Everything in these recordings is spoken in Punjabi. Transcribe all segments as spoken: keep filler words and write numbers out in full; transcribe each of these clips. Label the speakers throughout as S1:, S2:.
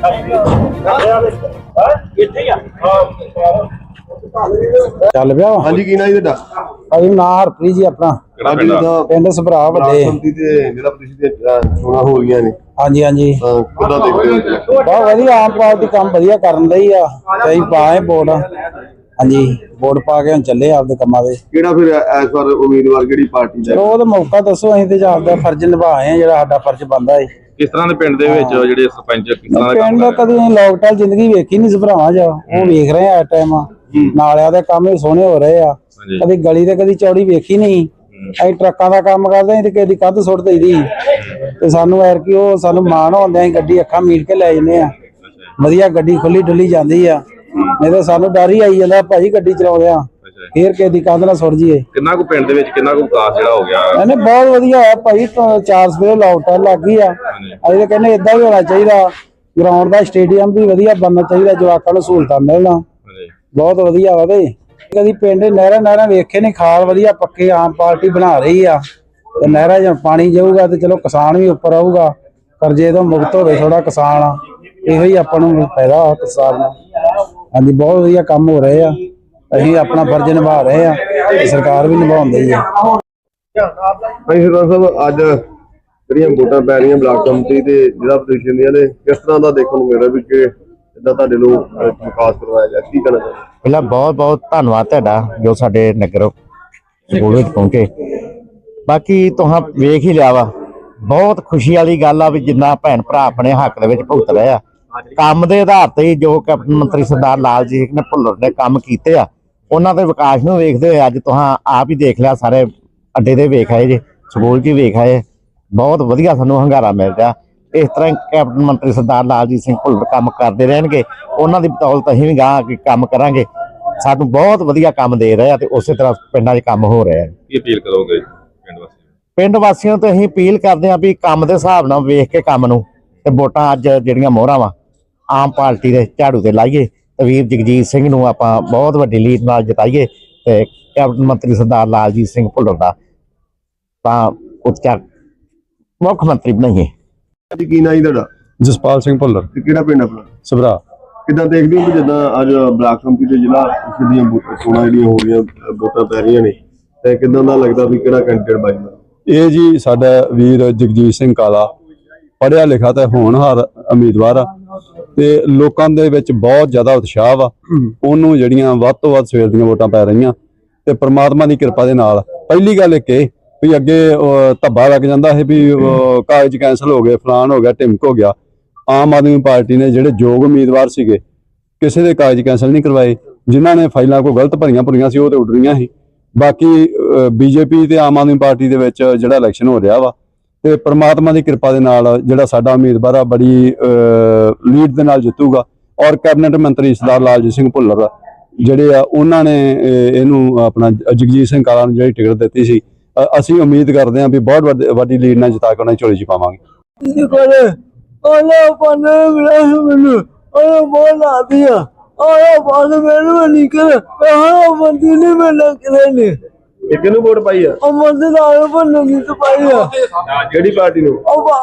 S1: ਚੱਲ ਪਿਆ
S2: हाँ जी की ना जी ਤੁਹਾਡਾ
S1: ਭਾਈ ਨਾਂ ਹਰਪ੍ਰੀਤ ਜੀ ਆਪਣਾ ਪਿੰਡ ਸਭਰਾ ਵੱਡੇ
S2: ਚੋਣਾਂ ਹੋ ਰਹੀਆਂ ਨੇ
S1: ਹਾਂਜੀ ਹਾਂਜੀ
S2: ਕਿੱਦਾਂ ਦੇਖਦੇ ਹੋ
S1: ਬਹੁਤ ਵਧੀਆ ਆਮ ਪਾਰਟੀ ਕੰਮ ਵਧੀਆ ਕਰਨ ਲਈ ਆ ਕਈ ਪਾਏ ਵੋਟ ਹਾਂਜੀ ਵੋਟ ਪਾ ਕੇ ਹੁਣ ਚੱਲੇ ਆਪਦੇ ਕੰਮਾਂ ਦੇ
S2: ਕਿਹੜਾ ਫਿਰ ਇਸ ਵਾਰ ਉਮੀਦਵਾਰ ਕਿਹੜੀ ਪਾਰਟੀ ਦਾ
S1: ਉਹ ਤਾਂ ਮੌਕਾ ਦੱਸੋ ਅਸੀਂ ਤੇ ਆਪਦਾ ਫਰਜ਼ ਨਿਭਾਏ ਆ ਜਿਹੜਾ ਸਾਡਾ ਫਰਜ਼ ਬਣਦਾ ਹੈ
S3: ਕਿਸ ਤਰ੍ਹਾਂ ਦੇ ਪਿੰਡ ਦੇ ਵਿੱਚ ਜਿਹੜੇ ਸਰਪੰਚ ਕਿਸ ਤਰ੍ਹਾਂ ਦੇ ਕੰਮ
S1: ਪਿੰਡ ਕਦੀ ਲੋਕਟਾਲ ਜ਼ਿੰਦਗੀ ਵੇਖੀ ਨਹੀਂ ਸਭਰਾਵਾਂ ਚ ਉਹ ਵੇਖ ਰਹੇ ਆ ਇਸ ਟਾਈਮ ਨਾਲਿਆਂ ਦੇ ਕੰਮ ਵੀ ਸੋਹਣੇ ਹੋ ਰਹੇ ਆ ਕਦੀ ਗਲੀ ਤੇ ਕਦੀ ਚੌੜੀ ਵੇਖੀ ਨਹੀਂ ਅਸੀਂ ਟਰੱਕਾਂ ਦਾ ਕੰਮ ਕਰਦੇ ਆਂ ਤੇ ਕਿਸੇ ਦੀ ਕੱਦ ਸੁੱਟ ਦਈਦੀ ਤੇ ਸਾਨੂੰ ਐਰ ਕੀ ਉਹ ਸਾਨੂੰ ਮਾਣ ਹੁੰਦਾ ਅਸੀਂ ਗੱਡੀ ਅੱਖਾਂ ਮੀਟ ਕੇ ਲੈ ਜਾਂਦੇ ਆ ਵਧੀਆ ਗੱਡੀ ਖੁੱਲੀ ਡੁੱਲੀ ਜਾਂਦੀ ਆ ਨਹੀਂ ਤਾਂ ਸਾਨੂੰ ਡਰ ਹੀ ਆਈ ਜਾਂਦਾ ਭਾਈ ਗੱਡੀ ਚਲਾਉਂਦੇ ਆ ਫੇਰ ਕਿਸੇ ਦੀ ਕੰਧ ਨਾਲ ਸੁੱਟ ਜੀਏ
S3: ਕਿੰਨਾ ਕੁ ਪਿੰਡ ਦੇ ਵਿੱਚ ਕਿੰਨਾ ਕੁ ਵਿਕਾਸ ਜਿਹੜਾ ਹੋ ਗਿਆ
S1: ਇਹਨੇ ਬਹੁਤ ਵਧੀਆ ਹੋਇਆ ਭਾਈ ਚਾਰ ਸਵੇਰੇ ਲਾਉਟਾਂ ਲੱਗ ਗਈ ਆ ਅਸੀਂ ਤਾਂ ਕਹਿੰਦੇ ਏਦਾਂ ਵੀ ਹੋਣਾ ਚਾਹੀਦਾ ਗਰਾਊਂਡ ਦਾ ਸਟੇਡੀਅਮ ਵੀ ਵਧੀਆ ਬਣਨਾ ਚਾਹੀਦਾ ਜਵਾਕਾਂ ਨੂੰ ਸਹੂਲਤਾਂ ਮਿਲਣਾ ਬਹੁਤ ਵਧੀਆ ਵਾ ਬਈ ਕਦੀ ਪਿੰਡ ਨਹਿਰਾਂ ਨਹਿਰਾਂ ਵੇਖੇ ਨਹੀਂ ਖਾਲ ਵਧੀਆ ਪੱਕੇ ਆਮ ਪਾਰਟੀ ਬਣਾ ਰਹੀ ਆ ਤੇ ਨਹਿਰਾਂ 'ਚ ਪਾਣੀ ਜਾਊਗਾ ਤੇ ਚਲੋ ਕਿਸਾਨ ਵੀ ਉੱਪਰ ਆਊਗਾ ਕਰਜ਼ੇ ਤੋਂ ਮੁਕਤ ਹੋਵੇ ਥੋੜਾ ਕਿਸਾਨ ਆ ਇਹੋ ਹੀ ਆਪਾਂ ਨੂੰ ਫਾਇਦਾ ਕਿਸਾਨ ਨੂੰ ਹਾਂਜੀ ਬਹੁਤ ਵਧੀਆ ਕੰਮ ਹੋ ਰਹੇ ਆ ਅਸੀਂ ਆਪਣਾ ਫਰਜ਼ ਨਿਭਾ ਰਹੇ ਆ ਤੇ ਸਰਕਾਰ ਵੀ ਨਿਭਾਉਂਦੀ ਆ
S2: ਭਾਈ ਸਰਦਾਰ ਸਾਹਿਬ ਅੱਜ ਜਿਹੜੀਆਂ ਵੋਟਾਂ ਪੈ ਰਹੀਆਂ ਬਲਾਕ ਕਮੇਟੀ ਤੇ ਜ਼ਿਲ੍ਹਾ ਪ੍ਰੀਸ਼ਦ ਦੀਆਂ ਨੇ ਕਿਸ ਤਰ੍ਹਾਂ ਦਾ ਦੇਖਣ ਨੂੰ ਮਿਲ ਰਿਹਾ ਵੀ ਕਿ ਇਦਾਂ ਤੁਹਾਡੇ ਲੋਕ ਵਿਕਾਸ ਕਰਵਾਇਆ ਗਿਆ ਕੀ ਕਹਿਣਾ ਚਾਹੁੰਦੇ
S4: ਪਹਿਲਾਂ ਬਹੁਤ ਬਹੁਤ ਧੰਨਵਾਦ ਤੁਹਾਡਾ ਜੋ ਸਾਡੇ ਨਗਰ ਸਕੂਲ ਵਿੱਚ ਪਹੁੰਚੇ ਬਾਕੀ ਤੁਹਾਂ ਵੇਖ ਹੀ ਲਿਆ ਵਾ ਬਹੁਤ ਖੁਸ਼ੀ ਵਾਲੀ ਗੱਲ ਆ ਵੀ ਜਿੰਨਾ ਭੈਣ ਭਰਾ ਆਪਣੇ ਹੱਕ ਦੇ ਵਿੱਚ ਭੁਗਤ ਰਹੇ ਆ ਕੰਮ ਦੇ ਆਧਾਰ ਤੇ ਜੋ ਕੈਪਟਨ ਮੰਤਰੀ ਸਰਦਾਰ ਲਾਲ ਜੀ ਨੇ ਭੁੱਲਰ ਨੇ ਕੰਮ ਕੀਤੇ ਆ ਉਹਨਾਂ ਦੇ ਵਿਕਾਸ ਨੂੰ ਵੇਖਦੇ ਹੋਏ ਅੱਜ ਤੁਹਾਂ ਆਪ ਹੀ ਦੇਖ ਲਿਆ ਸਾਰੇ ਅੱਡੇ ਤੇ ਵੇਖ ਆਏ ਜੇ ਸਕੂਲ 'ਚ ਵੇਖ ਆਏ ਬਹੁਤ ਵਧੀਆ ਸਾਨੂੰ ਹੰਗਾਰਾ ਮਿਲ ਰਿਹਾ ਇਸ ਤਰ੍ਹਾਂ ਕੈਪਟਨ ਮੰਤਰੀ ਸਰਦਾਰ ਲਾਲਜੀਤ ਸਿੰਘ ਭੁੱਲਰ ਕੰਮ ਕਰਦੇ ਰਹਿਣਗੇ ਉਹਨਾਂ ਦੀ ਬਦੌਲਤ ਅਸੀਂ ਵੀ ਗਾਂ ਕੰਮ ਕਰਾਂਗੇ ਸਾਨੂੰ ਬਹੁਤ ਵਧੀਆ ਕੰਮ ਦੇ ਰਹੇ ਆ ਤੇ ਉਸੇ ਤਰ੍ਹਾਂ ਪਿੰਡਾਂ 'ਚ ਕੰਮ ਹੋ ਰਿਹਾ
S3: ਕੀ ਅਪੀਲ ਕਰੋਗੇ ਪਿੰਡ ਵਾਸੀਆਂ
S4: ਪਿੰਡ ਵਾਸੀਆਂ ਤੋਂ ਅਸੀਂ ਅਪੀਲ ਕਰਦੇ ਹਾਂ ਵੀ ਕੰਮ ਦੇ ਹਿਸਾਬ ਨਾਲ ਵੇਖ ਕੇ ਕੰਮ ਨੂੰ ਤੇ ਵੋਟਾਂ ਅੱਜ ਜਿਹੜੀਆਂ ਮੋਹਰਾਂ ਵਾ ਆਮ ਪਾਰਟੀ ਦੇ ਝਾੜੂ ਤੇ ਲਾਈਏ ਤੇ ਵੀਰ ਜਗਜੀਤ ਸਿੰਘ ਨੂੰ ਆਪਾਂ ਬਹੁਤ ਵੱਡੀ ਲੀਡ ਨਾਲ ਜਿਤਾਈਏ ਤੇ ਕੈਪਟਨ ਮੰਤਰੀ ਸਰਦਾਰ ਲਾਲਜੀਤ ਸਿੰਘ ਭੁੱਲਰ ਦਾ ਤਾਂ ਉੱਚਾ ਮੁੱਖ ਮੰਤਰੀ ਬਣਾਈਏ
S2: ਜੀ ਕੀ ਨਾਂ ਜੀ ਤੁਹਾਡਾ
S1: ਜਸਪਾਲ ਸਿੰਘ ਭੁੱਲਰ
S2: ਤੇ ਕਿਹੜਾ ਪਿੰਡ ਆਪਣਾ
S1: ਸਭਰਾ
S2: ਕਿੱਦਾਂ ਦੇਖਦੇ ਹੋ ਕਿ ਜਿੱਦਾਂ ਅੱਜ ਬਲਾਕ ਕਮੇਟੀ ਤੇ ਜ਼ਿਲ੍ਹਾ ਪ੍ਰੀਸ਼ਦ ਦੀਆਂ ਚੋਣਾਂ ਜਿਹੜੀਆਂ ਹੋ ਰਹੀਆਂ ਵੋਟਾਂ ਪੈ ਰਹੀਆਂ ਨੇ ਤੇ ਕਿੱਦਾਂ ਦਾ ਲੱਗਦਾ ਵੀ ਕਿਹੜਾ ਕੈਂਡੀਡੇਟ ਬਾਜੂਗਾ
S5: ਇਹ ਜੀ ਸਾਡਾ ਵੀਰ ਜਗਜੀਤ ਸਿੰਘ ਕਾਲਾ ਪੜ੍ਹਿਆ ਲਿਖਿਆ ਤੇ ਹੋਣਹਾਰ ਉਮੀਦਵਾਰ ਆ ਤੇ ਲੋਕਾਂ ਦੇ ਵਿੱਚ ਬਹੁਤ ਜ਼ਿਆਦਾ ਉਤਸ਼ਾਹ ਵਾ ਉਹਨੂੰ ਜਿਹੜੀਆਂ ਵੱਧ ਤੋਂ ਵੱਧ ਸਵੇਰ ਦੀਆਂ ਵੋਟਾਂ ਪੈ ਰਹੀਆਂ ਤੇ ਪ੍ਰਮਾਤਮਾ ਦੀ ਕਿਰਪਾ ਦੇ ਨਾਲ ਪਹਿਲੀ ਗੱਲ ਇੱਕ ਇਹ ਵੀ ਅੱਗੇ ਧੱਬਾ ਲੱਗ ਜਾਂਦਾ ਹੈ ਵੀ ਕਾਗਜ਼ ਕੈਂਸਲ ਹੋ ਗਏ ਫਲਾਨ ਹੋ ਗਿਆ ਢਿਮਕ ਹੋ ਗਿਆ ਆਮ ਆਦਮੀ ਪਾਰਟੀ ਨੇ ਜਿਹੜੇ ਯੋਗ ਉਮੀਦਵਾਰ ਸੀਗੇ ਕਿਸੇ ਦੇ ਕਾਗਜ਼ ਕੈਂਸਲ ਨਹੀਂ ਕਰਵਾਏ ਜਿਨ੍ਹਾਂ ਨੇ ਫਾਈਲਾਂ ਕੋਈ ਗਲਤ ਭਰੀਆਂ ਭਰੀਆਂ ਸੀ ਉਹ ਤੇ ਉੱਡ ਰਹੀਆਂ ਸੀ ਬਾਕੀ ਬੀਜੇਪੀ ਤੇ ਆਮ ਆਦਮੀ ਪਾਰਟੀ ਦੇ ਵਿੱਚ ਜਿਹੜਾ ਇਲੈਕਸ਼ਨ ਹੋ ਰਿਹਾ ਵਾ ਤੇ ਪ੍ਰਮਾਤਮਾ ਦੀ ਕਿਰਪਾ ਦੇ ਨਾਲ ਜਿਹੜਾ ਸਾਡਾ ਉਮੀਦਵਾਰ ਆ ਬੜੀ ਲੀਡ ਦੇ ਨਾਲ ਜਿੱਤੂਗਾ ਔਰ ਕੈਬਨਿਟ ਮੰਤਰੀ ਸਰਦਾਰ ਲਾਲਜੀਤ ਸਿੰਘ ਭੁੱਲਰ ਜਿਹੜੇ ਆ ਉਹਨਾਂ ਨੇ ਇਹਨੂੰ ਆਪਣਾ ਜਗਜੀਤ ਸਿੰਘ ਕਾਲਾ ਨੂੰ ਜਿਹੜੀ ਟਿਕਟ ਦਿੱਤੀ ਸੀ ਅਸੀਂ ਉਮੀਦ ਕਰਦੇ ਹਾਂ ਵੀ ਬਹੁਤ ਵੱਡੀ ਲੀਡ ਨਾਲ ਜਿਤਾ ਕੇ ਉਹਨਾਂ ਝੋਲੀ 'ਚ ਪਾਵਾਂਗੇ
S2: ਕਿਹਨੂੰ ਵੋਟ ਪਾਈ ਆ ਕਿਹੜੀ ਪਾਰਟੀ ਨੂੰ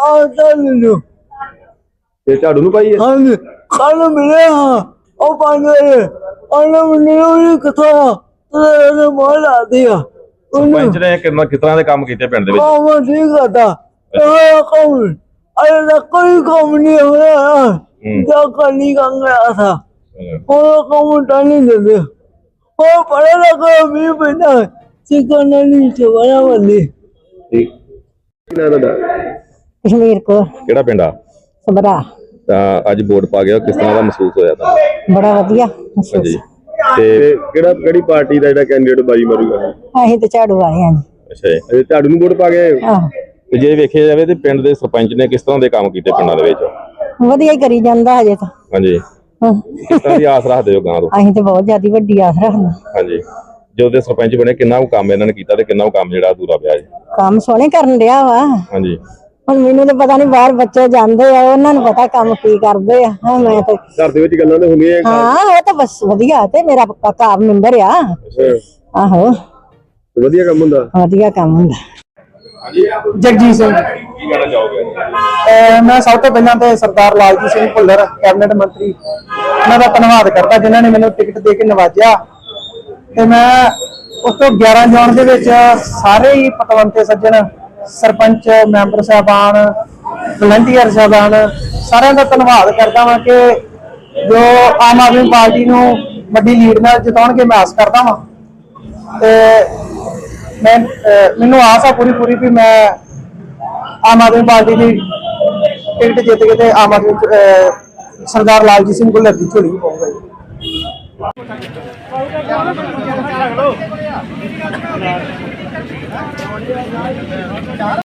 S2: ਤੇ ਝਾੜੂ ਨੂੰ ਪਾਈ ਆ
S1: ਕੱਲ ਮਿਲੇ ਹਾਂ ਉਹ ਪਾਣੇ ਉਹਨਾਂ ਮੈਨੂੰ ਕਿਥੋਂ ਮੋਲ ਆਦੀ ਆ
S3: ਸਰਪੰਚ ਨੇ ਕਿੰਨਾ ਕਿਸ ਤਰ੍ਹਾਂ ਦੇ ਕੰਮ ਕੀਤੇ ਪਿੰਡ ਦੇ ਵਿੱਚ
S1: ਕੰਮ ਠੀਕ ਕਰਦਾ ਇਹ ਕੰਮ ਅਰੇ ਨਾ ਕੋਈ ਕੰਮ ਨਹੀਂ ਹੋਇਆ ਜੋ ਕਰਨੀ ਕੰਗਿਆ ਥਾ ਉਹ ਕੰਮ ਤਾਂ ਨਹੀਂ ਦਿੰਦੇ ਉਹ ਪੜੇ ਲਗਾ ਵੀ ਬਿਨਾ ਸਿੱਕਣ ਨਹੀਂ ਚਵਣਾ ਬੰਦੀ
S2: ਠੀਕ ਕਿਹਨਾਂ ਦਾ
S6: ਕਸ਼ਮੀਰ ਕੋ
S3: ਕਿਹੜਾ ਪਿੰਡ ਆ
S6: ਸਭਰਾ
S3: ਤਾਂ ਅੱਜ ਵੋਟ ਪਾ ਗਿਆ ਕਿਸ ਤਰ੍ਹਾਂ ਦਾ ਮਹਿਸੂਸ ਹੋਇਆ ਤਾਂ
S6: ਬੜਾ ਵਧੀਆ
S3: ਹਾਂਜੀ
S2: ਤੇ ਕਿਹੜਾ ਕਿਹੜੀ ਪਾਰਟੀ ਦਾ ਜਿਹੜਾ ਕੈਂਡੀਡੇਟ ਬਾਜੀ ਮਾਰੂਗਾ
S6: ਅਸੀਂ ਤੇ ਝਾੜੂ ਆਏ ਹਾਂ ਜੀ
S3: ਅੱਛਾ ਜੀ
S2: ਇਹ ਝਾੜੂ ਨੂੰ ਵੋਟ ਪਾ ਗਏ
S6: ਆਹ
S3: ਤੇ ਜੇ ਵੇਖਿਆ ਜਾਵੇ ਤੇ ਪਿੰਡ ਦੇ ਸਰਪੰਚ ਨੇ ਕਿਸ ਤਰ੍ਹਾਂ ਦੇ ਕੰਮ ਕੀਤੇ ਪਿੰਡਾਂ ਦੇ ਵਿੱਚ
S6: ਵਧੀਆ ਹੀ ਕਰੀ ਜਾਂਦਾ ਹਜੇ ਤਾਂ
S3: ਹਾਂਜੀ
S6: ਹਾਂ।
S3: ਕਿਸ ਤਰ੍ਹਾਂ ਦੀ ਆਸ ਰੱਖਦੇ ਹੋ ਗਾਂ ਤੋਂ
S6: ਅਸੀਂ ਤੇ ਬਹੁਤ ਜ਼ਿਆਦਾ ਵੱਡੀ ਆਸ ਰੱਖਦੇ
S3: ਹਾਂਜੀ ਜਦੋਂ ਦੇ ਸਰਪੰਚ ਬਣੇ ਕਿੰਨਾ ਕੁ ਕੰਮ ਇਹਨਾਂ ਨੇ ਕੀਤਾ ਤੇ ਕਿੰਨਾ ਕੁ ਕੰਮ ਜਿਹੜਾ ਅਧੂਰਾ ਪਿਆ ਜੀ
S6: ਕੰਮ ਸੋਹਣੇ ਕਰਨ ਡਿਆ ਵਾ
S3: ਹਾਂਜੀ
S6: ਹੁਣ ਮੈਨੂੰ ਤਾਂ ਪਤਾ ਨਹੀਂ ਬਾਹਰ ਬੱਚੇ ਜਾਂਦੇ ਆ ਉਹਨਾਂ ਨੂੰ ਪਤਾ ਕੰਮ ਕੀ ਕਰਦੇ ਆ ਹਾਂ ਮੈਂ ਤੇ
S2: ਘਰ ਦੇ ਵਿੱਚ ਗੱਲਾਂ ਤਾਂ ਹੁੰਦੀਆਂ
S6: ਹਾਂ ਉਹ ਤਾਂ ਬਸ ਵਧੀਆ ਤੇ ਮੇਰਾ ਪੱਕਾ ਮੈਂਬਰ ਆ ਆਹੋ
S2: ਵਧੀਆ ਕੰਮ ਹੁੰਦਾ
S6: ਵਧੀਆ ਕੰਮ ਹੁੰਦਾ
S1: ਜਗਜੀਤ ਸਿੰਘ
S3: ਕੀ ਕਹਿਣਾ ਚਾਹੋਗੇ?
S1: ਅਹ ਮੈਂ ਸਭ ਤੋਂ ਪਹਿਲਾਂ ਤੇ ਸਰਦਾਰ ਲਾਲਜੀਤ ਸਿੰਘ ਭੁੱਲਰ ਕੈਬਨਿਟ ਮੰਤਰੀ ਉਹਨਾਂ ਦਾ ਧੰਨਵਾਦ ਕਰਦਾ ਜਿਨ੍ਹਾਂ ਨੇ ਮੈਨੂੰ ਟਿਕਟ ਦੇ ਕੇ ਨਵਾਜਿਆ। ਤੇ ਮੈਂ ਉਸ ਤੋਂ ਗਿਆਰਾਂ ਜੌਨ ਦੇ ਵਿੱਚ ਸਾਰੇ ਹੀ ਪਤਵੰਤੇ ਸੱਜਣ, ਸਰਪੰਚ, ਮੈਂਬਰ ਸਾਹਿਬਾਨ, ਵਲੰਟੀਅਰ ਸਾਹਿਬਾਨ ਸਾਰਿਆਂ ਦਾ ਧੰਨਵਾਦ ਕਰਦਾ ਵਾਂ ਕਿ ਜੋ ਆਮ ਆਦਮੀ ਪਾਰਟੀ ਨੂੰ ਵੱਡੀ ਲੀਡ ਨਾਲ ਜਿਤਾਉਣਗੇ ਮੈਂ ਆਸ ਕਰਦਾ ਵਾਂ। ਤੇ ਮੈਂ ਅਹ ਮੈਨੂੰ ਆਸ ਆ ਪੂਰੀ ਪੂਰੀ ਵੀ ਮੈਂ ਆਮ ਆਦਮੀ ਪਾਰਟੀ ਦੀ ਟਿਕਟ ਜਿੱਤ ਕੇ ਤੇ ਆਮ ਆਦਮੀ ਅਹ ਸਰਦਾਰ ਲਾਲਜੀਤ ਸਿੰਘ ਭੁੱਲਰ ਦੀ ਝੋਲੀ ਪਾਊਗਾ ਜੀ।